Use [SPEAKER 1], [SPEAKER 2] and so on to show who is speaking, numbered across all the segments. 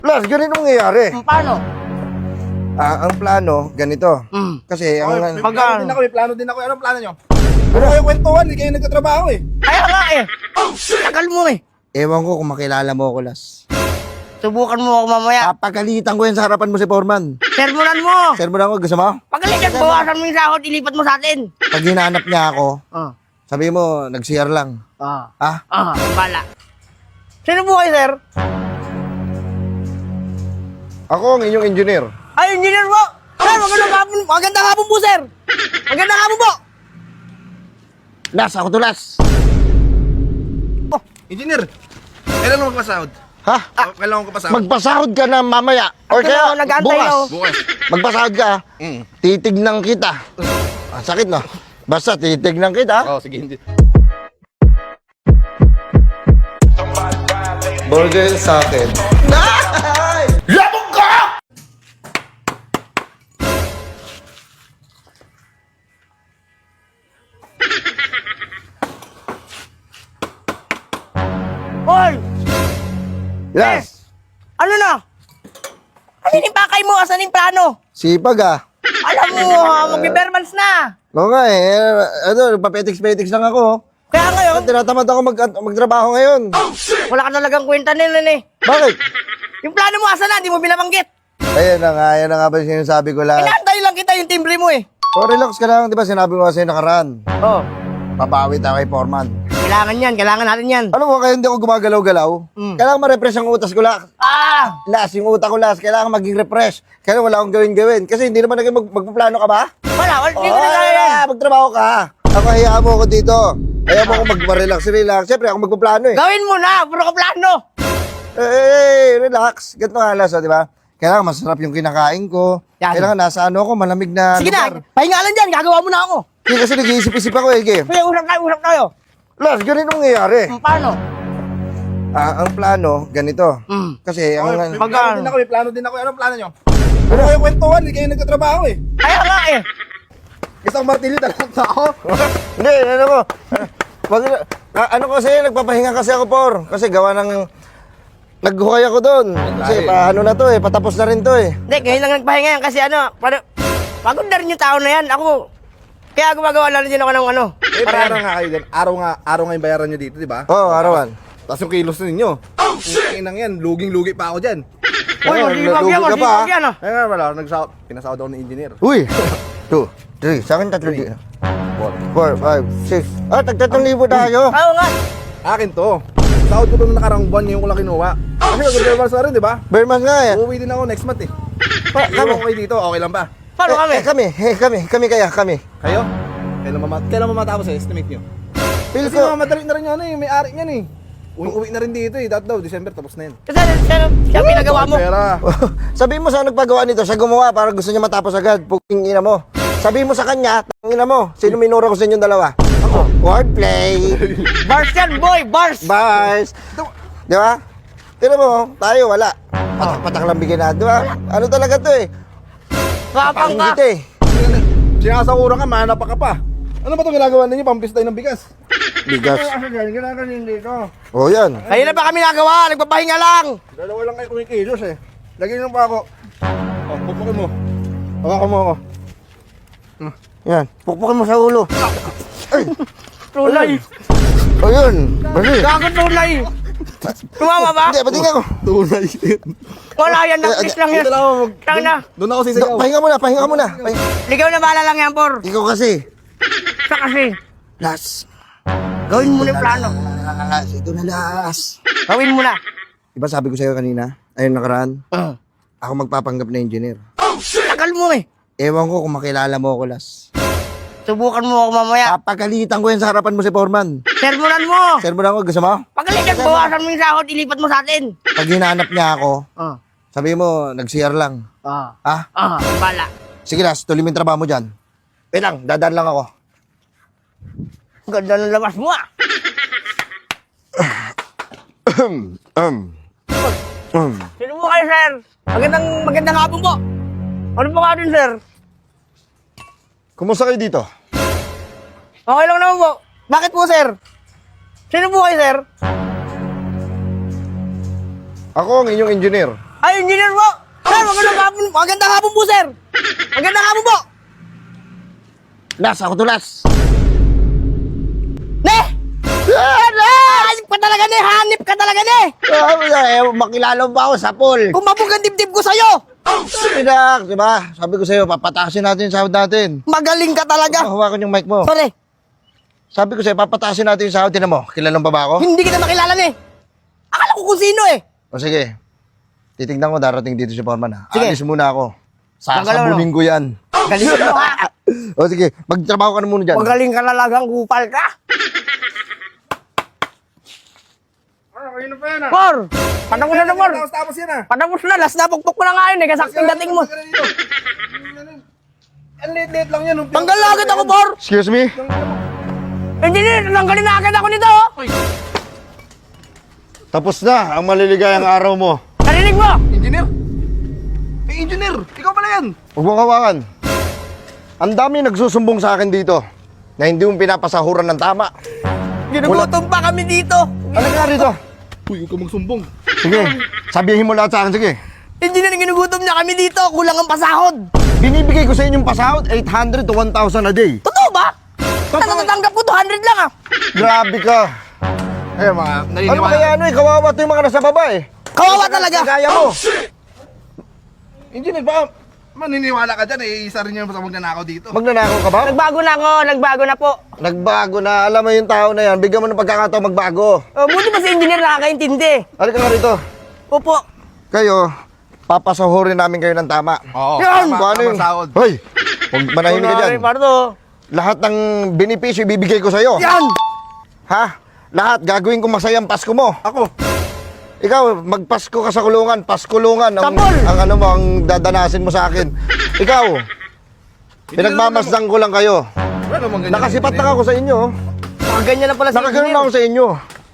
[SPEAKER 1] Las, ganito nangyayari.
[SPEAKER 2] Paano?
[SPEAKER 1] Ang plano, ganito. Kasi ang...
[SPEAKER 3] May plano din ako. Anong plano nyo? Ano kayo kwentuhan? Hindi kayo nagtatrabaho eh.
[SPEAKER 2] Kaya nga eh. Tagal mo eh.
[SPEAKER 1] Ewan ko kung makilala mo ako, Las.
[SPEAKER 2] Subukan mo ako mamaya.
[SPEAKER 1] Papagalitan ko yan sa harapan mo si Foreman.
[SPEAKER 2] Sermonan mo.
[SPEAKER 1] Sermon ako, gusto mo?
[SPEAKER 2] Pagalitan, bawasan mo yung sahod, ilipat mo sa atin.
[SPEAKER 1] Pag hinanap niya ako, sabi mo, nag-CR lang. Ah?
[SPEAKER 2] Bala. Sino po kayo, sir?
[SPEAKER 1] Ako ang inyong engineer.
[SPEAKER 2] Ay, engineer po. Sir, magandang hapon. Magandang hapon po, sir. Magandang hapon po.
[SPEAKER 1] Las, ako to Las.
[SPEAKER 3] Engineer, kailan mo magpasahod?
[SPEAKER 1] Ha?
[SPEAKER 3] Kailan ko pasahod?
[SPEAKER 1] Magpasahod ka na mamaya. Or
[SPEAKER 2] Ito
[SPEAKER 1] kaya
[SPEAKER 2] na, nag-aantay
[SPEAKER 1] bukas.
[SPEAKER 2] na,
[SPEAKER 3] Bukas.
[SPEAKER 1] Magpasahod ka. Titignan kita. Sakit no? Basta titignan kita.
[SPEAKER 3] Oo, sige, hindi.
[SPEAKER 1] Burger sa akin. Labog ka!
[SPEAKER 2] Hoy,
[SPEAKER 1] Yes.
[SPEAKER 2] ano na? Ano yung pakay mo? Asan yung plano?
[SPEAKER 1] Sipag ah.
[SPEAKER 2] Alam mo, magbe-bermans na.
[SPEAKER 1] Oo nga eh. Ano, papetiks-petiks lang ako.
[SPEAKER 2] Kaya ngayon,
[SPEAKER 1] Tinatamad ako magtrabaho ngayon.
[SPEAKER 2] wala ka talagang kwenta nila eh.
[SPEAKER 1] Bakit?
[SPEAKER 2] Yung plano mo, asan na? Di mo binabanggit.
[SPEAKER 1] Ayan na nga ba sinasabi ko lang.
[SPEAKER 2] Inaantay lang kita yung timbre mo eh.
[SPEAKER 1] Oh, relax ka lang. Di ba sinabi ko kasi nakaraan.
[SPEAKER 2] Oh,
[SPEAKER 1] Babawi tayo kay Foreman.
[SPEAKER 2] kailangan yan. Kailangan natin yan.
[SPEAKER 1] Alam mo, kaya hindi ako gumagalaw-galaw. Kailangan ma-refresh ang utas ko lang. Las, yung utak ko las, kailangan maging refresh. Kaya wala akong gawin-gawin. Kasi hindi naman naging magpaplano ka ba?
[SPEAKER 2] Wala, hindi ko na
[SPEAKER 1] Oh,
[SPEAKER 2] kaya yan.
[SPEAKER 1] magtrabaho ka. Ako, hayaan mo ako dito. Hayaan mo ako mag-relax. Siyempre, ako magpaplano eh.
[SPEAKER 2] Gawin mo na, puro ka plano.
[SPEAKER 1] Relax. Ganito nga las, di ba? Kailangan masarap yung kinakain ko.
[SPEAKER 2] Yan.
[SPEAKER 1] Kailangan nasa ano ako, malamig na
[SPEAKER 2] Sige
[SPEAKER 1] lugar.
[SPEAKER 2] na, pahinga lang dyan, gagawa mo na ako.
[SPEAKER 1] Hindi kasi nag-iisip-isip ako eh. Game.
[SPEAKER 2] Sige, usap tayo.
[SPEAKER 1] Las, ganito nangyayari.
[SPEAKER 2] Paano?
[SPEAKER 1] Ang plano, ganito. Kasi ang...
[SPEAKER 3] May plano din ako. Anong plano nyo? Ano kayo kwentuhan? Hindi kayo nagtatrabaho eh.
[SPEAKER 2] Kaya nga eh.
[SPEAKER 3] Isang martilyo talaga ako.
[SPEAKER 1] Hindi, ano ko. Ano kasi, nagpapahinga kasi ako, Por. Kasi gawa ng... Naghukay ako doon. Kasi paano na to eh, patapos na rin to eh.
[SPEAKER 2] Hindi, ngayon lang nagpahinga yan kasi pagod na rin yung tao na yan. Ako, kaya gumagawa lang din ako ng ano.
[SPEAKER 3] Eh, bayaran nga kayo din. Araw nga yung bayaran nyo dito, di ba?
[SPEAKER 1] Oo, arawan.
[SPEAKER 3] Tapos yung kilos na ninyo. Inang yan, luging-lugi pa ako dyan.
[SPEAKER 2] Uy, masibag yan,
[SPEAKER 1] Lugi ka pa,
[SPEAKER 2] masibag yan ah.
[SPEAKER 3] Kaya nga wala, pinasahod ako ng engineer.
[SPEAKER 1] Uy! 2, 3, sa akin 3 dito. 4, 5, 6. Tag-3,000 tayo.
[SPEAKER 2] Oo nga.
[SPEAKER 3] Akin to. Sahod ko to nung nakarang buwan, ngayon ko lang kinuha. Kasi mag-reverse na rin, di ba?
[SPEAKER 1] Berman nga eh.
[SPEAKER 3] Uuwi din ako next month eh.
[SPEAKER 1] Kami.
[SPEAKER 3] Iwan ko kayo dito, okay lang ba?
[SPEAKER 2] Paano kami?
[SPEAKER 1] Kami kaya.
[SPEAKER 3] Kayo? Kailan mamatapos eh, estimate nyo?
[SPEAKER 1] Feel
[SPEAKER 3] Kasi
[SPEAKER 1] ko,
[SPEAKER 3] mamadali na rin yan eh, may ari niyan eh. Uwi na rin dito eh, daw, December tapos na yan.
[SPEAKER 2] Kasi siya pinagawa mo.
[SPEAKER 3] Pera.
[SPEAKER 1] sabihin mo sa nagpagawa nito, siya gumawa para gusto niya matapos agad. Puking ina mo. Sabihin mo sa kanya, ina mo, sino minura ko sa inyong dalawa? Ako. Wordplay.
[SPEAKER 2] Bars yan, boy, bars.
[SPEAKER 1] Bars. Di ba? Tira mo, tayo wala. Patak lang bigyan natin, di ba? Ano talaga to eh?
[SPEAKER 2] Kapang ka.
[SPEAKER 1] Kita eh.
[SPEAKER 3] Sinasakura ka, manapa ka pa. Ano ba itong ginagawa ninyo? Pampistay ng bigas.
[SPEAKER 1] Bigas.
[SPEAKER 3] Ginagawa dito.
[SPEAKER 1] Oh, yan.
[SPEAKER 2] Kaya na pa kami nagawa, nagpapahinga lang.
[SPEAKER 3] Dalawa lang kayo kumikilos eh. Lagyan nyo pa ako. Oh, pupukin mo. Hawakan mo ako.
[SPEAKER 1] Yan. Pukpukin mo sa ulo.
[SPEAKER 2] Tunay.
[SPEAKER 1] Oh, yun. Bali.
[SPEAKER 2] Gago tunay. Tumama ba?
[SPEAKER 1] Hindi, pati nga ko.
[SPEAKER 3] Tunay.
[SPEAKER 2] Wala yan, nakis lang yan.
[SPEAKER 3] Dito lang ako.
[SPEAKER 2] Tang na.
[SPEAKER 3] Doon ako sisigaw.
[SPEAKER 1] Pahinga muna.
[SPEAKER 2] Ligaw na bala lang yan, por.
[SPEAKER 1] Ikaw kasi.
[SPEAKER 2] Sa kasi.
[SPEAKER 1] Las.
[SPEAKER 2] Gawin mo na yung plano.
[SPEAKER 1] Las. Ito na las.
[SPEAKER 2] Gawin mo na.
[SPEAKER 1] Diba sabi ko sa'yo kanina, ayun nakaraan, ako magpapanggap na engineer.
[SPEAKER 2] Tagal mo eh.
[SPEAKER 1] Ewan ko kung makilala mo ako, Las.
[SPEAKER 2] Subukan mo ako mamaya.
[SPEAKER 1] Papagalitan ko yan sa harapan mo si Foreman.
[SPEAKER 2] Sermonan mo.
[SPEAKER 1] Sermon ako, gusto mo?
[SPEAKER 2] Pagalitan, bawasan mo yung sahod, ilipat mo sa atin.
[SPEAKER 1] Pag hinanap niya ako, sabi mo, nag-CR lang.
[SPEAKER 2] Bala.
[SPEAKER 1] Sige, Las, tuloy mo yung trabaho mo dyan. Wait lang, dadaan lang ako.
[SPEAKER 2] Ganda ng labas mo ah. Sino mo kayo, sir? Magandang hapon po. Ano po ka din, sir?
[SPEAKER 1] Kumusta kayo dito?
[SPEAKER 2] Okay lang naman po. Bakit po, sir? Sino po kayo, sir?
[SPEAKER 1] Ako ang inyong engineer.
[SPEAKER 2] Ay, engineer po! Sir, magandang hapon po, sir! Magandang hapon po!
[SPEAKER 1] Las, ako tulas.
[SPEAKER 2] Ne! Hanip ka talaga, ne! Hanip ka talaga, ne!
[SPEAKER 1] Makilala mo ba ako sa pool?
[SPEAKER 2] Kumabog ang dibdib ko sa'yo!
[SPEAKER 1] Pinak, di ba? Sabi ko sa'yo, papatasin natin yung sahod natin.
[SPEAKER 2] Magaling ka talaga!
[SPEAKER 1] Hawakan yung mic mo.
[SPEAKER 2] Sorry,
[SPEAKER 1] Sabi ko sa'yo, papatasin natin yung sahod. Tinan mo, kilala mo ba ako?
[SPEAKER 2] hindi kita makilala, ne! Akala ko kung sino, eh!
[SPEAKER 1] O sige, titignan ko darating dito si Foreman ha.
[SPEAKER 2] Sige.
[SPEAKER 1] Alis muna ako.
[SPEAKER 2] Magalaw,
[SPEAKER 1] Sasabunin ko yan.
[SPEAKER 2] Galing mo, ha?
[SPEAKER 1] O sige, magtrabaho ka na muna dyan.
[SPEAKER 2] Magaling ka talagang kupal ka!
[SPEAKER 3] Kanina pa yan ah.
[SPEAKER 2] Por! Patapos na, Por!
[SPEAKER 3] Tapos yan ah.
[SPEAKER 2] Patapos na, last na pukpok ko na nga yun, eh, kasaktong dating mo.
[SPEAKER 3] Ang liit-liit lang yan.
[SPEAKER 2] Tanggal na agad ako, Por!
[SPEAKER 1] Excuse me?
[SPEAKER 2] Engineer, tanggalin na agad ako nito, oh!
[SPEAKER 1] Tapos na ang maliligayang araw mo.
[SPEAKER 2] Narinig mo?
[SPEAKER 3] Engineer? Engineer! Ikaw pala yan!
[SPEAKER 1] Huwag mong hawakan. Ang dami nagsusumbong sa akin dito na hindi mo pinapasahuran ng tama.
[SPEAKER 2] Ginugutom pa kami dito.
[SPEAKER 1] Ano nga rito?
[SPEAKER 3] Uy, huwag ka magsumbong.
[SPEAKER 1] Sige, sabihin mo lahat sa akin, sige.
[SPEAKER 2] Engineer, ginugutom niya kami dito. Kulang ang pasahod.
[SPEAKER 1] Binibigay ko sa inyong pasahod, 800 to 1,000 a day.
[SPEAKER 2] Totoo ba? Natatanggap ko 200 lang, ah.
[SPEAKER 1] Grabe ka.
[SPEAKER 3] Ayun mga,
[SPEAKER 1] Ano
[SPEAKER 3] naniniwala.
[SPEAKER 1] ba kaya ano eh, kawawa to yung mga nasa baba eh.
[SPEAKER 2] Kawawa talaga.
[SPEAKER 1] Kaya mo.
[SPEAKER 3] Engineer, baka maniniwala ka dyan eh. Isa rin yung sa magnanakaw dito.
[SPEAKER 1] Magnanakaw ka ba?
[SPEAKER 2] Nagbago na ako. Nagbago na po.
[SPEAKER 1] Nagbago na. Alam mo yung tao na yan, bigyan mo ng pagkakataon magbago.
[SPEAKER 2] Buti pa si engineer nakakaintindi.
[SPEAKER 1] Halika nga rito.
[SPEAKER 2] Opo.
[SPEAKER 1] Kayo, papasahurin namin kayo ng tama.
[SPEAKER 3] Oo.
[SPEAKER 2] Yan!
[SPEAKER 3] Tama,
[SPEAKER 1] Kung ano
[SPEAKER 3] tama
[SPEAKER 1] yung...
[SPEAKER 3] sahod.
[SPEAKER 1] Hoy! Huwag manahimik ka dyan.
[SPEAKER 2] Pardo.
[SPEAKER 1] Lahat ng benepisyo ibibigay ko sa'yo.
[SPEAKER 2] Yan!
[SPEAKER 1] Ha? Lahat, gagawin ko masayang Pasko mo.
[SPEAKER 3] Ako.
[SPEAKER 1] Ikaw, magpasko ka sa kulungan, Paskulungan.
[SPEAKER 2] Tapol!
[SPEAKER 1] Ang ano mo, ang dadanasin mo sa akin. Ikaw, pinagmamasdang ko lang kayo.
[SPEAKER 3] Wala namang ganyan.
[SPEAKER 1] Nakasipat na ako sa inyo.
[SPEAKER 2] Ganyan na pala si
[SPEAKER 1] Nakaganon
[SPEAKER 2] engineer.
[SPEAKER 1] ako sa inyo.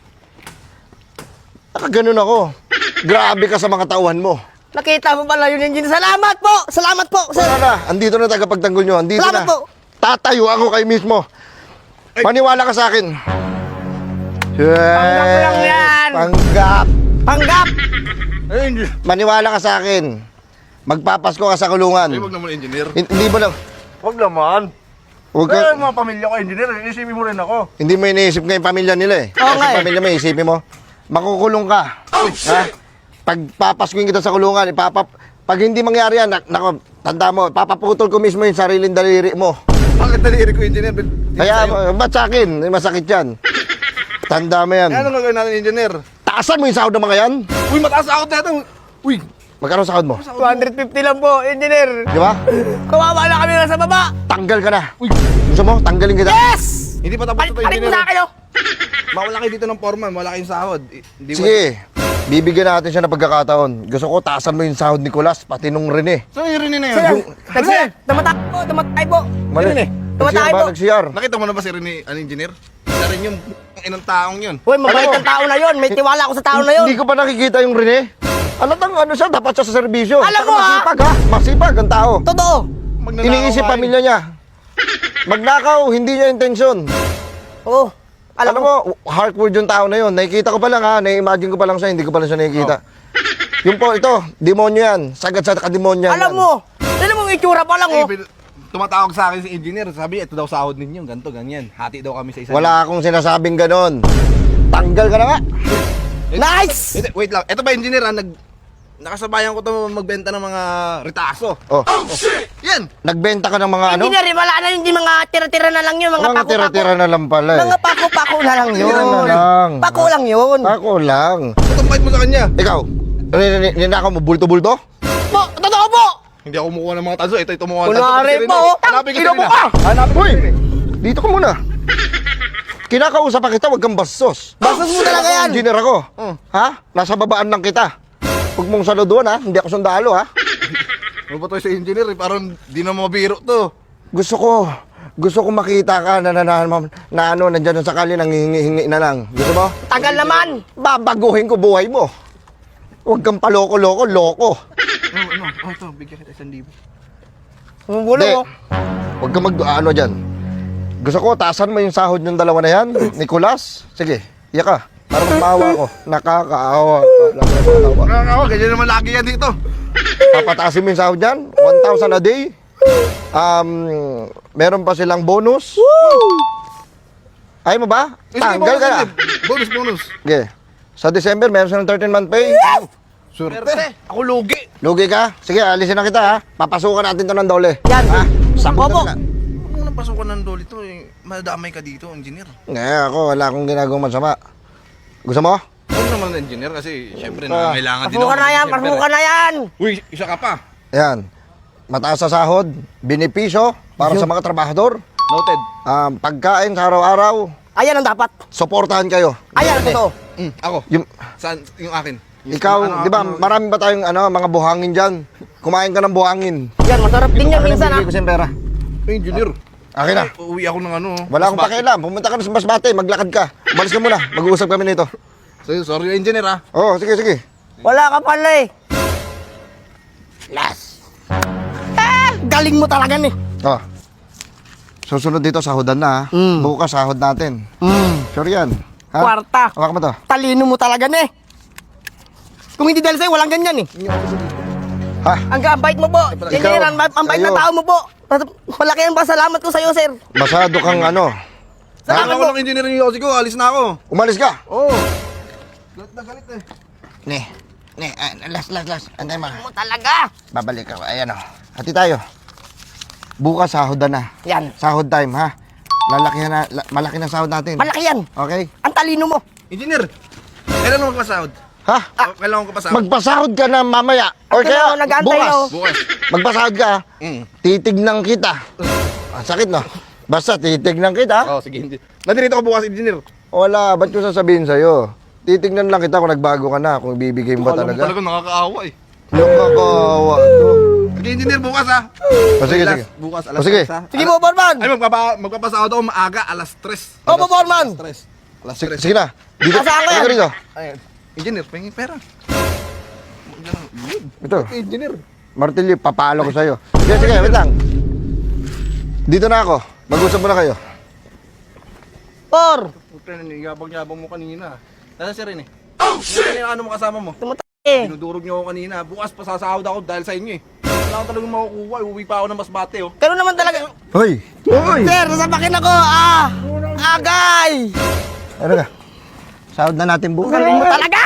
[SPEAKER 1] Nakaganon ako. Grabe ka sa mga tauhan mo.
[SPEAKER 2] Nakita mo pala yun, engineer. Salamat po! Salamat po, sir!
[SPEAKER 1] Wala na, andito na tagapagtanggol nyo. Andito
[SPEAKER 2] Salamat
[SPEAKER 1] na.
[SPEAKER 2] po.
[SPEAKER 1] Tatayo ako kayo mismo. Maniwala ka sa akin.
[SPEAKER 2] Panggap lang yan.
[SPEAKER 1] Panggap.
[SPEAKER 2] Panggap!
[SPEAKER 3] Ay, engineer.
[SPEAKER 1] Maniwala ka sa akin. Magpapasko ka sa kulungan.
[SPEAKER 3] Ay, wag naman engineer.
[SPEAKER 1] Hindi mo lang.
[SPEAKER 3] Wag naman.
[SPEAKER 1] Huwag
[SPEAKER 3] Kaya
[SPEAKER 1] ka,
[SPEAKER 3] mga pamilya ko, engineer. Isipin mo rin ako.
[SPEAKER 1] hindi mo iniisip nga yung pamilya nila eh.
[SPEAKER 2] Oo nga
[SPEAKER 1] Kasi
[SPEAKER 2] eh.
[SPEAKER 1] pamilya mo, isipin mo. Makukulong ka. Ha? Pag papaskuin kita sa kulungan, pag hindi mangyari yan, nako, tanda mo, papaputol ko mismo yung sariling daliri mo.
[SPEAKER 3] Bakit daliri ko, engineer?
[SPEAKER 1] Kaya, ba't sa akin? Masakit yan. Tanda mo yan.
[SPEAKER 3] Kaya anong gagawin natin, engineer?
[SPEAKER 1] Taasan mo yung sahod ng mga yan.
[SPEAKER 3] Uy, mataas ako dito. Uy,
[SPEAKER 1] Magkano sahod mo?
[SPEAKER 2] 250 lang po, engineer.
[SPEAKER 1] Di ba?
[SPEAKER 2] Kawawa na kami nasa baba.
[SPEAKER 1] Tanggal ka na.
[SPEAKER 3] uy.
[SPEAKER 1] Gusto mo? Tanggalin kita.
[SPEAKER 2] Yes!
[SPEAKER 3] Hindi pa tapos ito,
[SPEAKER 2] Palit mo
[SPEAKER 3] engineer.
[SPEAKER 2] sa akin, oh.
[SPEAKER 3] Mawala kayo dito ng foreman, wala kayong sahod. Hindi mo-
[SPEAKER 1] Sige. Bibigyan natin siya ng pagkakataon. Gusto ko taasan mo yung sahod ni Nicolas, pati nung Rene.
[SPEAKER 3] So, yun rin na
[SPEAKER 2] Sir,
[SPEAKER 3] yun.
[SPEAKER 2] nag-CR. Tumatay po, tumatay po.
[SPEAKER 1] Mali.
[SPEAKER 3] Rene.
[SPEAKER 2] Tumatay
[SPEAKER 1] Nag-CR ba?
[SPEAKER 2] po.
[SPEAKER 1] Nag-CR.
[SPEAKER 3] Nakita mo na ba si Rene, ang engineer? Isa rin yung inang taong yun.
[SPEAKER 2] Uy, mabait
[SPEAKER 1] Ano?
[SPEAKER 2] ang tao na yun. May tiwala ako sa tao na yun.
[SPEAKER 1] Hindi ko pa nakikita yung Rene. Alatang ano siya, dapat siya sa serbisyo.
[SPEAKER 2] Alam
[SPEAKER 1] Saka
[SPEAKER 2] mo, ha?
[SPEAKER 1] masipag ha. Masipag ang tao.
[SPEAKER 2] Totoo.
[SPEAKER 3] Magnanakaw
[SPEAKER 1] Iniisip
[SPEAKER 3] ka,
[SPEAKER 1] pamilya niya. Magnakaw, hindi niya intensyon.
[SPEAKER 2] Oo.
[SPEAKER 1] Alam mo, heartward yung tao na yun. Nakikita ko pa lang ha, na-imagine ko pa lang siya, hindi ko pa lang siya nakikita. Yung po, ito, demonyo yan. Sagad sa kademonyo yan.
[SPEAKER 2] Alam mo, yung itsura pa lang,
[SPEAKER 3] Eh,
[SPEAKER 2] oh.
[SPEAKER 3] tumatawag sa akin si engineer, sabi, ito daw sahod ninyo, ganito, ganyan. Hati daw kami sa isa.
[SPEAKER 1] Wala akong sinasabing ganon. Tanggal ka na nga.
[SPEAKER 2] Nice!
[SPEAKER 3] Ito, wait lang, ito ba engineer nakasabayan ko to magbenta ng mga ritaso.
[SPEAKER 1] Oh,
[SPEAKER 3] Yan!
[SPEAKER 1] nagbenta ka ng mga ano?
[SPEAKER 2] Engineer, wala na yun, mga tira-tira na lang yun, mga
[SPEAKER 1] Mga
[SPEAKER 2] pako-pako.
[SPEAKER 1] tira-tira na lang pala eh.
[SPEAKER 2] Mga pako-pako na lang yun.
[SPEAKER 1] Tira na lang.
[SPEAKER 2] Pako lang yun.
[SPEAKER 1] Ako lang.
[SPEAKER 3] Ito bait mo sa kanya.
[SPEAKER 1] Ikaw, ninakaw mo bulto-bulto?
[SPEAKER 2] Po, totoo po.
[SPEAKER 3] Hindi ako kumukuha ng mga tanso, ito kumuha ng
[SPEAKER 2] Kunwari
[SPEAKER 3] tanso.
[SPEAKER 2] po, oh.
[SPEAKER 3] Hanapin ka
[SPEAKER 1] Ino mo
[SPEAKER 3] nila.
[SPEAKER 1] ka!
[SPEAKER 3] Hanapin ka
[SPEAKER 1] Uy!
[SPEAKER 3] nila.
[SPEAKER 1] Dito ka muna. Kinakausap pa kita, wag kang bastos.
[SPEAKER 2] Bastos mo talaga yan.
[SPEAKER 1] Engineer ako.
[SPEAKER 3] Oh.
[SPEAKER 1] Ha? Nasa babaan lang kita. Huwag mong saluduan ha, hindi ako sundalo ha.
[SPEAKER 3] Ano ba to sa engineer? Parang di na mabiro to.
[SPEAKER 1] Gusto ko makita ka na ano, nandyan sa kali, nangihingi na lang. Gusto mo?
[SPEAKER 2] Tagal naman.
[SPEAKER 1] Babaguhin ko buhay mo. Huwag kang paloko-loko, loko.
[SPEAKER 3] Ano? Ito, bigyan kita 1,000.
[SPEAKER 2] Bumubulo,
[SPEAKER 1] Hindi.
[SPEAKER 2] oh.
[SPEAKER 1] Huwag kang ano dyan. Gusto ko, taasan mo yung sahod ng dalawa na yan. Nicolas, sige, iya ka. Para magpaawa ko. Nakakaawa ka. Nakakaawa.
[SPEAKER 3] Nakakawa, ganyan naman lagi yan dito.
[SPEAKER 1] Papataasin mo yung sahod dyan. 1,000 a day. Meron pa silang bonus. Ayaw mo ba? Tanggal ka na.
[SPEAKER 3] Bonus, bonus.
[SPEAKER 1] Okay. Sa December, meron silang 13-month pay.
[SPEAKER 3] Swerte. Ako lugi.
[SPEAKER 1] Lugi ka? Sige, alisin na kita ha. Papasukan natin to ng dole.
[SPEAKER 2] Yan.
[SPEAKER 1] Ha?
[SPEAKER 2] Sako po.
[SPEAKER 3] Huwag mo nang pasukan ng dole to eh. Madamay ka dito, engineer.
[SPEAKER 1] Ako, wala akong ginagawang masama. Gusto mo?
[SPEAKER 3] Huwag naman ng engineer kasi syempre
[SPEAKER 1] Ah.
[SPEAKER 3] kailangan din
[SPEAKER 2] Pasukan na yan, pasukan na yan.
[SPEAKER 3] Uy, isa ka pa.
[SPEAKER 1] Ayan. Mataas sa sahod, benepisyo para sa mga trabahador.
[SPEAKER 3] Noted.
[SPEAKER 1] Pagkain sa araw-araw,
[SPEAKER 2] Ayan ang dapat.
[SPEAKER 1] suportahan kayo.
[SPEAKER 2] Ayan ang totoo.
[SPEAKER 3] Ako.
[SPEAKER 1] Yung,
[SPEAKER 3] Saan yung akin?
[SPEAKER 1] ikaw, di ba, marami ba tayong mga buhangin dyan? Kumain ka ng buhangin.
[SPEAKER 2] Yan, masarap din yan minsan ha.
[SPEAKER 1] Bibigay ko siyang pera.
[SPEAKER 3] Engineer.
[SPEAKER 1] Akin na.
[SPEAKER 3] Ay, uwi ako ng ano.
[SPEAKER 1] Wala akong pakialam. Pumunta ka na sa Masbate, maglakad ka. Umalis ka muna. Mag-uusap kami nito.
[SPEAKER 3] Sorry, engineer ah.
[SPEAKER 1] Oo, sige, sige.
[SPEAKER 2] Wala ka pala eh. Last. Galing mo talaga ni.
[SPEAKER 1] Oh. Susunod dito, sahodan na ha. Bukas sahod natin. Sure yan. Ha?
[SPEAKER 2] Kwarta.
[SPEAKER 1] Hawak mo to.
[SPEAKER 2] Talino mo talaga ni. Kung hindi dahil sa'yo, walang ganyan eh.
[SPEAKER 1] Ha?
[SPEAKER 2] Ang bait mo po. Engineer, ang bait na
[SPEAKER 1] sa'yo.
[SPEAKER 2] tao mo po. Malaki ang pasalamat ko sa'yo, sir.
[SPEAKER 1] Masado kang ano.
[SPEAKER 2] Salamat
[SPEAKER 3] Ako
[SPEAKER 2] po.
[SPEAKER 3] ng engineer yung Yossi ko. Alis na ako.
[SPEAKER 1] Umalis ka.
[SPEAKER 3] Oo. Galit na galit eh.
[SPEAKER 1] Last. Antay mo.
[SPEAKER 2] Mo talaga.
[SPEAKER 1] Babalik ako. Ayan o. Hati tayo. Bukas sahodan na.
[SPEAKER 2] Yan.
[SPEAKER 1] Sahod time ha. Malaki na sahod natin.
[SPEAKER 2] Malaki yan.
[SPEAKER 1] Okay?
[SPEAKER 2] Ang talino mo.
[SPEAKER 3] Engineer, kailan mo magpasahod?
[SPEAKER 1] Ha?
[SPEAKER 3] Kailan ko pasahod?
[SPEAKER 1] Magpasahod ka na mamaya. Or
[SPEAKER 2] Ako na,
[SPEAKER 1] kaya
[SPEAKER 2] nag-aantay
[SPEAKER 1] bukas.
[SPEAKER 2] ako.
[SPEAKER 3] Bukas.
[SPEAKER 1] Magpasahod ka. Titignan kita. Sakit no? Basta titignan kita.
[SPEAKER 3] Oh, sige, engineer. Nadirito ko bukas, engineer.
[SPEAKER 1] Wala, ba't ko sasabihin sa'yo? Titignan lang kita kung nagbago ka na, kung ibibigay mo ba
[SPEAKER 3] Alam mo
[SPEAKER 1] talaga.
[SPEAKER 3] talaga nakakaawa eh.
[SPEAKER 1] Yung kakaawa to.
[SPEAKER 3] Sige, engineer, bukas ah.
[SPEAKER 1] Sige,
[SPEAKER 3] Last,
[SPEAKER 1] sige.
[SPEAKER 3] Bukas,
[SPEAKER 1] O,
[SPEAKER 3] alas
[SPEAKER 1] sige.
[SPEAKER 3] 3 ah.
[SPEAKER 2] Sige po, Borman.
[SPEAKER 3] Ay, magpapasahod ako maaga, alas 3.
[SPEAKER 2] Opo, Borman.
[SPEAKER 3] Alas
[SPEAKER 1] Sige,
[SPEAKER 3] 3.
[SPEAKER 1] sige na. Dito,
[SPEAKER 2] Asahan ko yan.
[SPEAKER 1] dito, dito.
[SPEAKER 3] Ayun. Engineer, pahingin pera.
[SPEAKER 1] Ito.
[SPEAKER 3] Engineer.
[SPEAKER 1] Martilyo, papalo ko sa'yo. Sige, wait lang. Dito na ako. Mag-usap muna kayo.
[SPEAKER 2] Por.
[SPEAKER 3] Puta, yabang-yabang mo kanina. Nasaan si Rene? Oh, shit! Ano mo kasama mo?
[SPEAKER 2] Tumatay eh.
[SPEAKER 3] Dinudurog niyo ako kanina. Bukas pasasahod ako dahil sa inyo eh. Wala ko talagang makukuha. Uuwi pa ako ng Masbate oh.
[SPEAKER 2] Ganun naman talaga.
[SPEAKER 1] Hoy!
[SPEAKER 2] Sir, sasapakin ako. Agay.
[SPEAKER 1] Ano ka? Sahod na natin bukas.
[SPEAKER 2] Galing mo talaga.